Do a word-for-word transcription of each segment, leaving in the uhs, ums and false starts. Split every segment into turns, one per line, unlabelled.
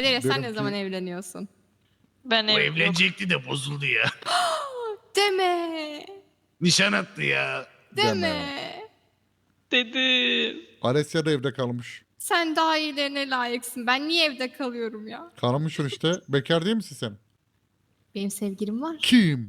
Kadir sen ne
Benimki-
zaman evleniyorsun?
Ben
O
ev yok.
evlenecekti de bozuldu ya.
Deme.
Nişan attı ya.
Deme.
Dedim.
Alessia da evde kalmış.
Sen daha iyilerine layıksın. Ben niye evde kalıyorum ya?
Kalmışsın işte. Bekar değil misin sen?
Benim sevgilim var.
Kim?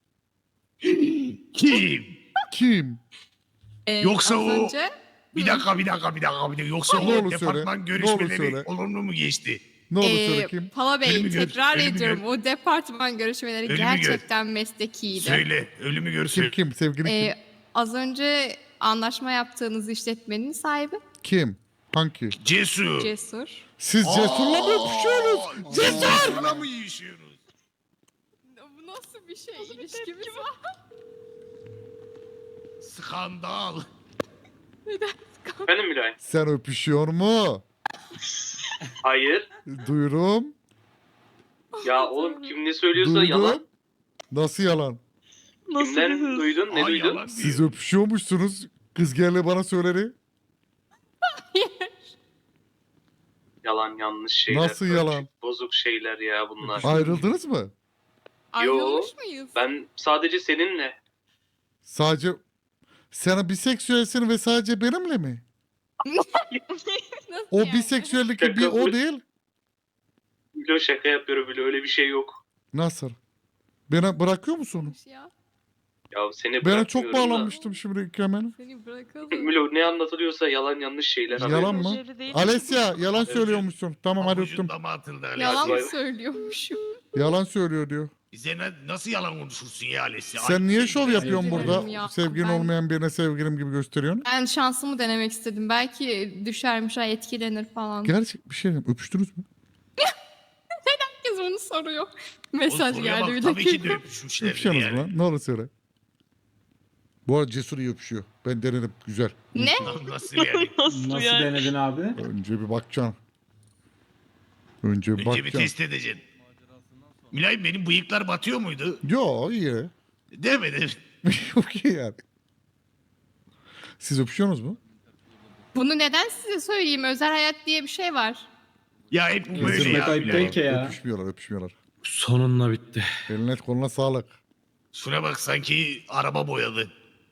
Kim?
Kim?
Ee,
Yoksa
az
o-
önce
Bir dakika bir dakika bir dakika. Bir dakika. Yoksa
Ne
o
olur söyle,
departman
ne olur
görüşmeleri
söyle.
olumlu mu geçti?
Ne olur
Ee,
söyle kim?
Pala Bey
Ölümü gör-
tekrar
ölümü
ediyorum
gör.
o departman görüşmeleri
Ölümü gör.
gerçekten meslekiydi.
Söyle. Ölümü görsün.
Kim kim? Sevgili
Ee,
kim?
az önce anlaşma yaptığınız işletmenin sahibi
Kim? Hangi?
Cesur.
Cesur.
Siz Cesur'la mı öpüşüyorsunuz?
Cesur'la mı yiyişiyorsunuz?
Bu nasıl bir şey? İlişkimiz var.
Skandal.
Efendim Mülayim?
Sen öpüşüyor mu?
Hayır.
Duyurum.
Ya oğlum kim ne söylüyorsa
Duydum.
yalan.
Nasıl yalan?
Nasıl
Kimden
bir hız?
duydun? Ne
Ay,
duydun?
yalan
Siz
diyor.
öpüşüyormuşsunuz. Kız geldi bana söyledi.
Yalan yanlış şeyler.
Nasıl
Bozuk-
yalan?
Bozuk şeyler ya bunlar.
Ayrıldınız mı?
Ayrılmış mıyız?
Ben sadece seninle.
Sadece sana biseksüelsin ve sadece benimle mi?
Nasıl
O
yani?
biseksüellik bir o değil.
Bilo şaka yapıyorum bile öyle bir şey yok.
Nasıl? Beni bırakıyor musun?
Ya,
Ya seni
Ben
bırakmıyorum
çok
da.
bağlanmıştım şimdi hemen.
seni bırakalım.
Milo ne anlatılıyorsa yalan yanlış şeyler.
Yalan
haberin
mı?
olsun.
Jeli değil.
Alessia yalan
Evet.
söylüyormuşsun. Tamam hadi öptüm.
Avucunda mı atıldı Alessia?
Yalan mı
Vay-
söylüyormuşum?
Yalan söylüyor diyor.
Bize na- nasıl yalan konuşursun ya Alessia?
Sen niye şov yapıyorsun
Özür
burada?
dilerim ya.
Sevgilin
Ben-
olmayan birine sevgilim gibi gösteriyorsun.
Ben şansımı denemek istedim. Belki düşermiş, ay etkilenir falan.
Gerçek bir şey diyeyim. Öpüştünüz mü?
Herkes onu soruyor. Mesaj
Soruya
geldi
bak,
bir
tabii ki de
dakika.
öpüşmüşler
Öpüşüyorsunuz
yani.
lan. Ne olur söyle. Bu arada Cesur iyi öpüşüyor. Ben denedim. Güzel.
Ne?
Nasıl yani?
Nasıl,
Nasıl
yani?
denedin abi?
Önce bir bakacaksın. Önce bir
Önce bir
bakacaksın.
test edeceksin. Mülayim benim bıyıklar batıyor muydu?
Yo iyi.
Demedim.
Çok iyi yani. Siz öpüşüyorsunuz mu?
Bunu neden size söyleyeyim? Özel hayat diye bir şey var.
Ya hep bu böyle
Kesinlikle
ya.
ayıp
Mülayim.
değil ki ya.
Öpüşmüyorlar öpüşmüyorlar.
Sonunda bitti.
Eline koluna sağlık.
Şuna bak sanki araba boyadı.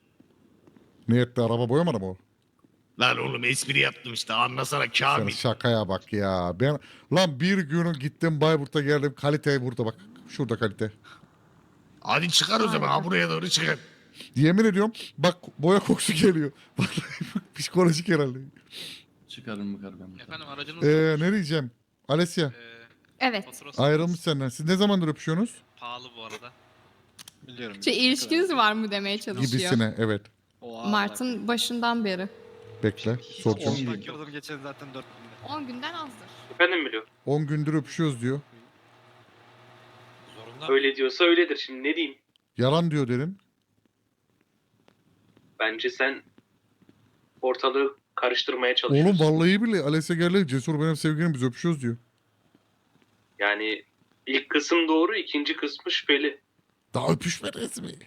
Ne etti araba boyamadı mı o?
Lan oğlum espri yaptım işte anlasana
Sen
Kamil.
şakaya bak ya. Ben lan bir gün gittim Bayburt'a geldim. Kalite burada bak. Şurada kalite.
Hadi çıkar o zaman ha
Harika.
buraya doğru çıkar.
Yemin ediyorum bak boya kokusu geliyor. Vallahi psikolojik herhalde.
Çıkarım mı ben?
Efendim aracınız
Ee, ne diyeceğim? Alessia
Ee,
Evet.
faturası
ayrılmış senden. Siz ne zamandır öpüşüyorsunuz?
pahalı bu arada. Biliyorum.
Şey, ilişkiniz var mı demeye çalışıyor.
Gibisine evet.
Mart'ın başından beri.
Bekle soracağım.
On gün.
Bakıyordum geçen zaten dört binde.
on günden azdır.
Efendim Milo?
on gündür öpüşüyoruz diyor.
Zorunda.
Öyle diyorsa öyledir. Şimdi ne diyeyim?
Yalan diyor dedim.
Bence sen ortalığı karıştırmaya çalışıyorsun.
Oğlum vallahi bile Alessia geldi. Cesur benim sevgilim biz öpüşüyoruz diyor.
Yani ilk kısım doğru, ikinci kısmı şüpheli.
Daha öpüşmediniz mi?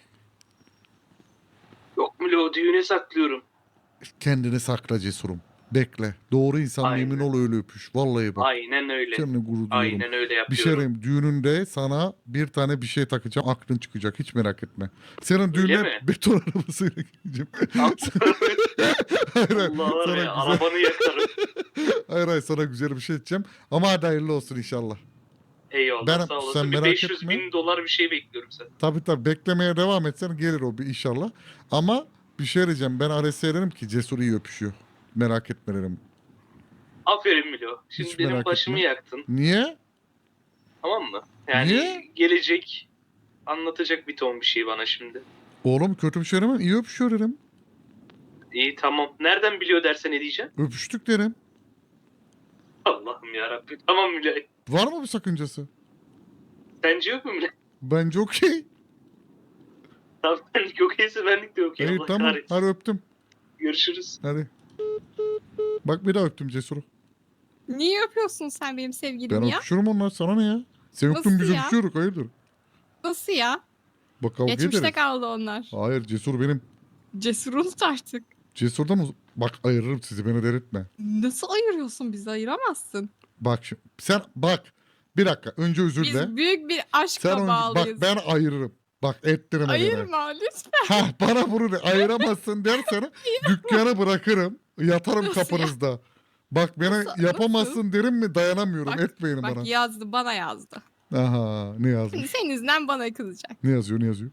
Yok Milo düğüne saklıyorum.
Kendini sakla Cesurum. Bekle. Doğru insan
Aynen.
emin ol öyle öpüş. Vallahi bak.
Aynen öyle.
Kendini gurur duyuyorum.
Aynen öyle
Bir şey
yapıyorum.
diyeyim, düğününde sana bir tane bir şey takacağım. Aklın çıkacak. Hiç merak etme. Senin düğüne
mi?
beton arabasıyla gideceğim. hayır, hayır,
Allah var
sana
ya
güzel,
arabanı yakarım.
hayır, hayır, sana güzel bir şey edeceğim. Ama hadi hayırlı olsun inşallah.
Eyvallah
Ben-
sağ
sen
olasın. Bir
merak
beş yüz
etme.
bin dolar bir şey bekliyorum sen.
Tabii tabii beklemeye devam etsen gelir o bir inşallah. Ama bir şey diyeceğim. Ben Alessia'ya dedim ki Cesur iyi öpüşüyor. Merak etme dedim.
Aferin Milo. Şimdi
Hiç
benim
merak
başımı
etme.
yaktın.
Niye?
Tamam mı? Yani
Niye?
gelecek anlatacak bir ton bir şey bana şimdi.
Oğlum kötü bir şey demem. İyi öpüşüyor dedim.
İyi tamam. Nereden biliyor dersen ne diyeceğim?
Öpüştük dedim.
Allah'ım yarabbim. Tamam Milo.
Var mı bir sakıncası?
Sence yok mu Milo?
Bence okey.
Tamam benlik okeyse benlik de okey.
İyi
Allah
tamam.
kahretsin.
Hadi öptüm.
Görüşürüz.
Hadi. Bak bir daha öptüm Cesur'u.
Niye öpüyorsun sen benim
Ben
sevgilimi ya?
öpüşürüm onlar. Sana ne ya? Sen öptün
Nasıl
biz
ya?
öpüşüyoruz. Hayırdır?
Nasıl ya?
Bak kavga
Geçmişte
ederiz.
kaldı onlar.
Hayır Cesur benim.
Cesur unut artık.
Cesur'dan uz- Bak ayırırım sizi, beni delirtme.
Nasıl ayırıyorsun, bizi ayıramazsın.
Bak şimdi sen bak bir dakika önce özür
Biz
dile.
büyük bir aşkla
Sen önce, bak
bağlıyız.
ben ayırırım. Bak ettirme beni.
Ayırma lütfen.
Ha bana bunu de, ayıramazsın dersen dükkanı bırakırım. Yatarım
Nasıl
kapınızda. Bak beni
Nasıl-
yapamazsın derim mi, dayanamıyorum,
Bak-
etmeyin
Bak
bana.
yazdı, bana yazdı.
Aha ne yazmış?
Şimdi senin yüzünden bana kızacak.
Ne yazıyor ne yazıyor?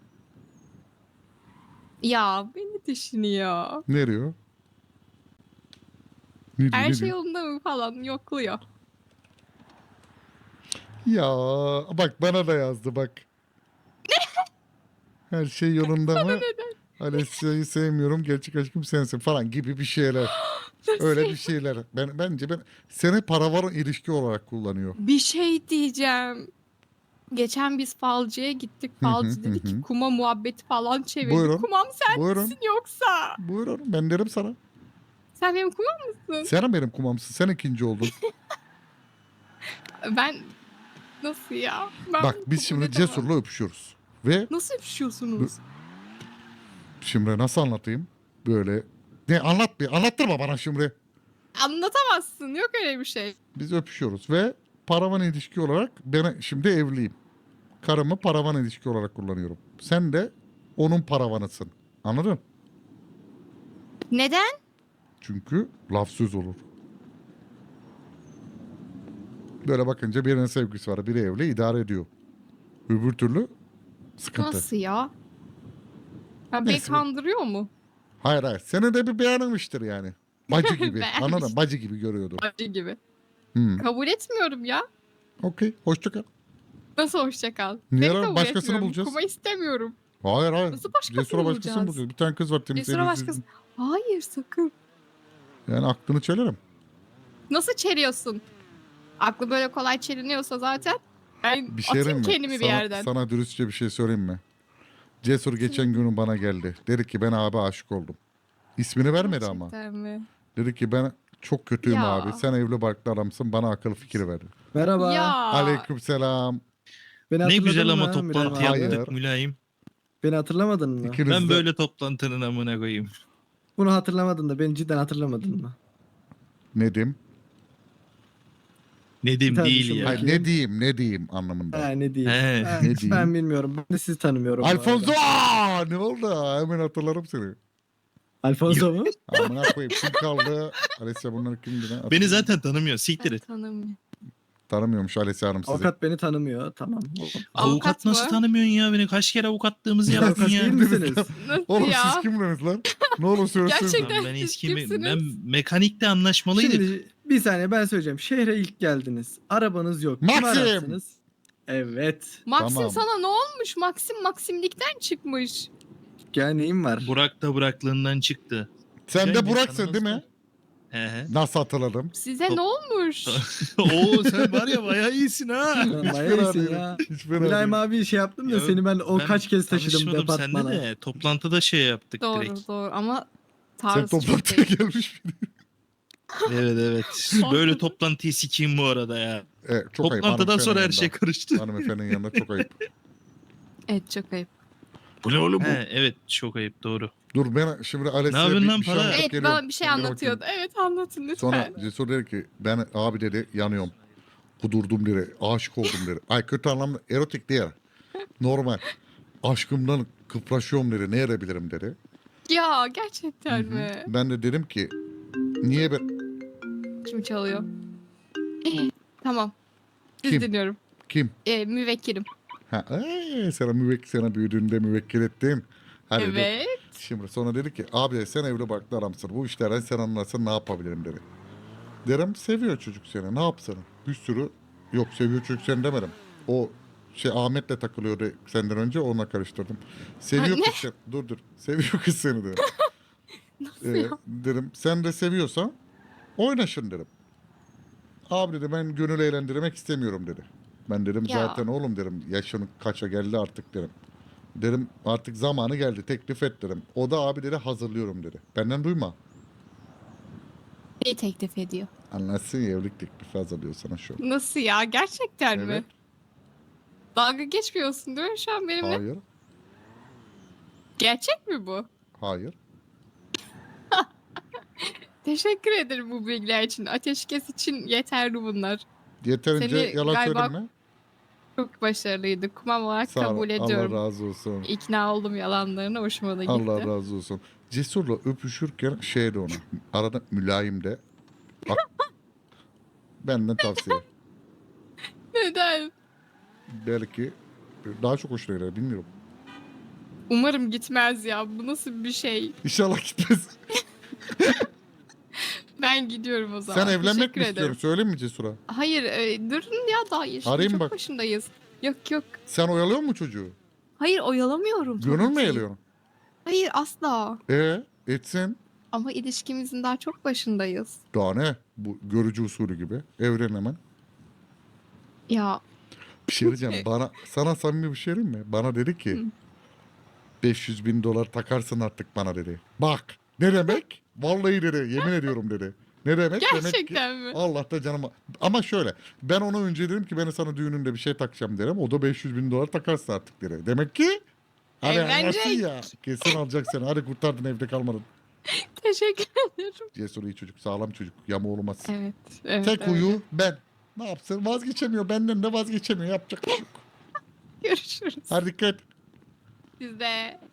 Ya beni düşünüyor.
Ne diyor? Ne diyor,
Her
ne
şey
diyor?
yolunda mı falan yokluyor.
Ya bak bana da yazdı bak. Her şey yolunda mı? Alessia'yı sevmiyorum, gerçek aşkım sensin falan gibi bir şeyler. Öyle bir şeyler. Ben bence ben seni paravarın ilişki olarak kullanıyor.
Bir şey diyeceğim. Geçen biz falcıya gittik.
Hı hı,
Falcı dedi
hı hı.
ki kuma muhabbeti falan çevirdi.
Buyurun.
Kumam sen
Buyurun.
misin yoksa?
Buyurun ben derim sana.
Sen benim kumam mısın?
Sen benim kumamsın. Sen ikinci oldun.
Ben nasıl ya? Ben
Bak
bunu
biz
kabul
şimdi
edemem.
Cesur'la öpüşüyoruz. Ve
Nasıl öpüşüyorsunuz?
şimdi nasıl anlatayım? Böyle ne anlat bir anlattırma bana şimdi.
Anlatamazsın. Yok öyle bir şey.
Biz öpüşüyoruz ve paravan ilişki olarak ben şimdi evliyim. Karımı paravan ilişki olarak kullanıyorum. Sen de onun paravanısın. Anladın?
Neden?
Çünkü laf söz olur. Böyle bakınca birinin sevgisi var. Biri evli idare ediyor. Öbür türlü sıkıntı.
Nasıl ya? Ha, beni
Neyse.
kandırıyor mu?
Hayır hayır. Senin de bir beğenmiştir yani. Bacı gibi.
Beğenmiş.
Anladın? Bacı gibi görüyordu.
Acı gibi.
Hmm.
Kabul etmiyorum ya.
Okey. Hoşça kal.
Nasıl hoşça kal?
Niye
Seni
lan?
kabul
Başkasını
etmiyorum.
bulacağız.
Kuma istemiyorum.
Hayır hayır.
Nasıl başkasını
Cesur'a başkasını
bulacağız?
bulacağız. Bir tane kız var temiz.
Cesur'a
elli
başkası...
yüzlü.
Hayır sakın.
Yani aklını çelerim.
Nasıl çeliyorsun? Aklı böyle kolay çeliniyorsa zaten ben
Bir şey
atayım
mi?
kendimi
sana,
bir yerden.
Sana dürüstçe bir şey söyleyeyim mi? Cesur geçen günü bana geldi. Dedi ki ben abi aşık oldum. İsmini vermedi ama.
Gerçekten mi?
Dedi ki ben çok kötüyüm
Ya.
abi. Sen evli barklı adamsın. Bana akıl fikir ver.
Merhaba.
Ya.
Aleykümselam.
Beni
Ne
hatırladın
güzel ama
mı
toplantı
Mülayim abi?
Hayır.
yaptık mülayim.
Beni hatırlamadın mı?
İkiniz
Ben
de-
böyle toplantının amına koyayım.
Bunu hatırlamadın da beni cidden hatırlamadın mı?
Nedim?
Nedim
Tabii
değil
şimdi
ya.
bak-
Hayır, ne diyeyim ne diyeyim anlamında.
Ha ne diyeyim.
He,
Ha,
ne diyeyim?
Ben bilmiyorum. Ben de sizi tanımıyorum. bu arada.
Alfonso! Aa, ne oldu? Hemen hatırlarım seni.
Alfonso mu?
Amına koyayım. Kim kaldı? Alessia bunlar kimdi? lan?
Beni zaten tanımıyor. Siktir
Ben
et.
tanımıyorum.
Tanımıyormuş Alessia Hanım sizi.
Avukat beni tanımıyor. Tamam.
Avukat,
Avukat
nasıl
mı?
tanımıyorsun ya beni? Kaç kere avukatlığımızı yaptın
Avukat
ya.
değil misiniz?
Nasıl
Oğlum
ya?
siz kimdiniz lan? Ne olur söylesenize.
Gerçekten.
Lan ben
Siz
eskimi,
kimsiniz?
ben mekanikte anlaşmalıydık.
Şimdi bir saniye ben söyleyeceğim. Şehre ilk geldiniz. Arabanız yok. Kim
Maxim!
ararsınız? Evet.
Maxim
Tamam.
sana ne olmuş? Maxim Maximlikten çıkmış.
Gel neyim var?
Burak da Buraklığından çıktı.
Sen
Şey,
de
biz
Burak'sın değil mi?
tanımazlar. He he.
Nasıl hatırladım?
Size
Top-
ne olmuş?
Oo sen var ya bayağı iyisin ha.
Lan
Hiç
bayağı
fena
iyisin
değilim.
ya.
Hiç fena
Mülayim
değilim.
abi şey yaptım da
Ya
seni ben o
Ben
kaç kez taşıdım
tanışmadım
departmana.
seninle de toplantıda şey yaptık
Doğru
direkt.
doğru ama
Sen
tarzı çok
toplantıya
değil.
gelmiş miydin?
Evet evet. Böyle toplantıyı sikeyim bu arada ya.
Evet, çok ayıp.
Toplantıdan
hanımefendinin
sonra her
yanında.
şey karıştı.
Hanımefendinin yanında çok ayıp.
Evet çok ayıp.
Bu ne oğlum
He, evet çok ayıp doğru.
Dur ben şimdi
Ne
Alessia'ya
yapıyorsun
bir,
lan
bir şey
para?
anlatıp
Evet
geliyorum.
bana bir şey
Sen bir
anlatıyordu.
bakayım.
Evet anlatın lütfen.
Sonra Cesur dedi ki ben abi dedi yanıyorum. Kudurdum dedi. Aşık oldum dedi. Ay kötü anlamda erotik değil. Normal. Aşkımdan kıpraşıyorum dedi. Ne edebilirim dedi.
Ya gerçekten
Hı hı.
mi?
Ben de dedim ki niye ben
Kim çalıyor? Tamam. Siz
Kim?
dinliyorum.
kim?
Ee, müvekkilim.
Ha, ee, sana müvekkil sana büyüdüğünde müvekkil ettim. Hadi dur.
Evet.
Şimdi sonra dedi ki abi dedi, sen evli barklı adamsın. Bu işlerden sen anlarsan ne yapabilirim dedi. Derim seviyor çocuk seni. Ne yapsın? Bir sürü yok seviyor çocuk seni demedim. O şey Ahmet'le takılıyordu senden önce onunla karıştırdım. Seviyor
Ha, ne?
kız seni. Dur dur. Seviyor kız seni dedim.
Nasıl
Ee,
ya?
dedim sen de seviyorsan oynaşın dedim. Abi dedi ben gönül eğlendirmek istemiyorum dedi. Ben dedim
Ya.
zaten oğlum dedim yaşın kaça geldi artık dedim. Dedim artık zamanı geldi teklif et dedim. O da abi dedi hazırlıyorum dedi. Benden duyma.
Neyi teklif ediyor?
Anlatsın ya evlilik teklifi hazırlıyor sana şu an.
Nasıl ya? Gerçekten mi?
Evet.
Dalga geçmiyorsun değil mi şu an benimle?
Hayır.
Gerçek mi bu?
Hayır.
Teşekkür ederim bu bilgiler için. Ateşkes için yeterli bunlar.
Yeterince
Seni
yalan
galiba
söyleme.
Çok başarılıydı. Kumam olarak
Sağ ol.
kabul ediyorum.
Allah razı olsun.
İkna oldum yalanlarına. Hoşuma da gitti.
Allah razı olsun. Cesur'la öpüşürken şey de ona. Arada mülayim de. Bak. Benden tavsiye.
Neden?
Belki daha çok hoşuna gider bilmiyorum.
Umarım gitmez ya. Bu nasıl bir şey?
İnşallah gitmez.
Ben gidiyorum o zaman.
Sen evlenmek
Teşekkür
mi istiyorsun?
ederim.
Söyleyeyim mi Cesur'a?
Hayır e, durun ya daha yaşın
Arayayım
çok
bak.
başındayız. Yok yok.
Sen oyalıyor musun çocuğu?
Hayır oyalamıyorum. tabii
Gönül mü
ki.
eğiliyorsun?
Hayır asla.
E etsin.
Ama ilişkimizin daha çok başındayız.
Daha ne? Bu görücü usulü gibi. Evren hemen.
Ya
Bir şey diyeceğim. Bana, sana samimi bir şey diyeyim mi? Bana dedi ki
Hı.
beş yüz bin dolar takarsın artık bana dedi. Bak ne demek? Vallahi dedi. Yemin ediyorum dedi. Ne demek? Demek ki
gerçekten mi?
Allah da canıma. Ama şöyle ben ona önce dedim ki ben sana düğününde bir şey takacağım derim. O da beş yüz bin dolar takarsın artık dedi. Demek ki hani
Evlenecek.
anlarsın ya. Kesin alacak seni. Hadi kurtardın evde kalmadın.
Teşekkür ederim.
Cesur iyi çocuk. Sağlam çocuk. Yamu olmaz.
Evet. evet
Tek
öyle.
uyu ben. Ne yapsın? Vazgeçemiyor. Benden de vazgeçemiyor. Yapacak bir şey yok.
Görüşürüz.
Hadi dikkat.
Siz de.